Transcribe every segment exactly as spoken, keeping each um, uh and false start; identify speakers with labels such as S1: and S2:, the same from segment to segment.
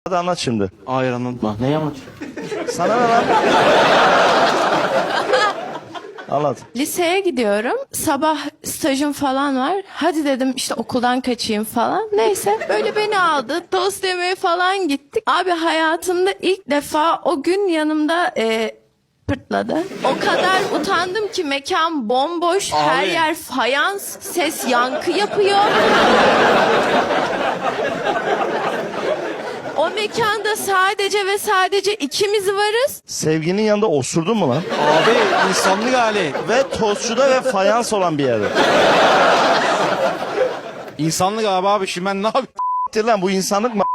S1: Hadi anlat şimdi.
S2: Hayır anlatma. Ne anlat?
S1: Sana ne lan? Anlat.
S3: Liseye gidiyorum. Sabah stajım falan var. Hadi dedim işte okuldan kaçayım falan. Neyse böyle beni aldı. Tost yemeye falan gittik. Abi hayatımda ilk defa o gün yanımda e, pırtladı. O kadar utandım ki mekan bomboş. Her
S2: Abi.
S3: yer fayans. Ses yankı yapıyor. O mekanda sadece ve sadece ikimiz varız.
S1: Sevginin yanında osurdun mu lan?
S2: Abi insanlık hali.
S1: Ve tostçuda ve fayans olan bir yerde.
S2: İnsanlık abi abi şimdi ben ne yapayım?
S1: Siktir lan, bu insanlık mı?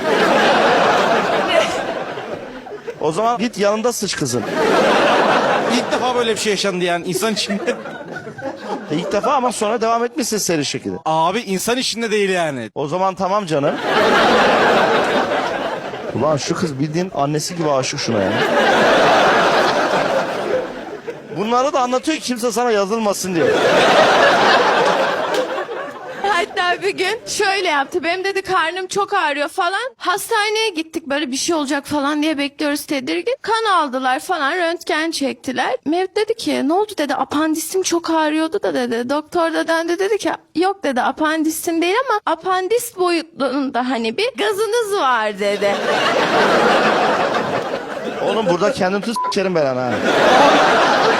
S1: O zaman git yanında sıç kızın.
S2: İlk defa böyle bir şey yaşandı yani insan içinde.
S1: E, İlk defa ama sonra devam etmişsin seri şekilde.
S2: Abi insan içinde değil yani.
S1: O zaman tamam canım. Ulan şu kız bildiğin annesi gibi aşık şuna ya. Bunları da anlatıyor ki kimse sana yazılmasın diye.
S3: Hatta bir gün şöyle yaptı. Benim dedi karnım çok ağrıyor falan. Hastaneye gittik böyle bir şey olacak falan diye bekliyoruz tedirgin. Kan aldılar falan, röntgen çektiler. Mevlüt dedi ki ne oldu dedi, apandisim çok ağrıyordu da dedi. Doktor da döndü dedi ki yok dedi, apandisin değil ama apandis boyutunda hani bir gazınız var dedi.
S1: Oğlum burada kendin tut s**erim ben ha.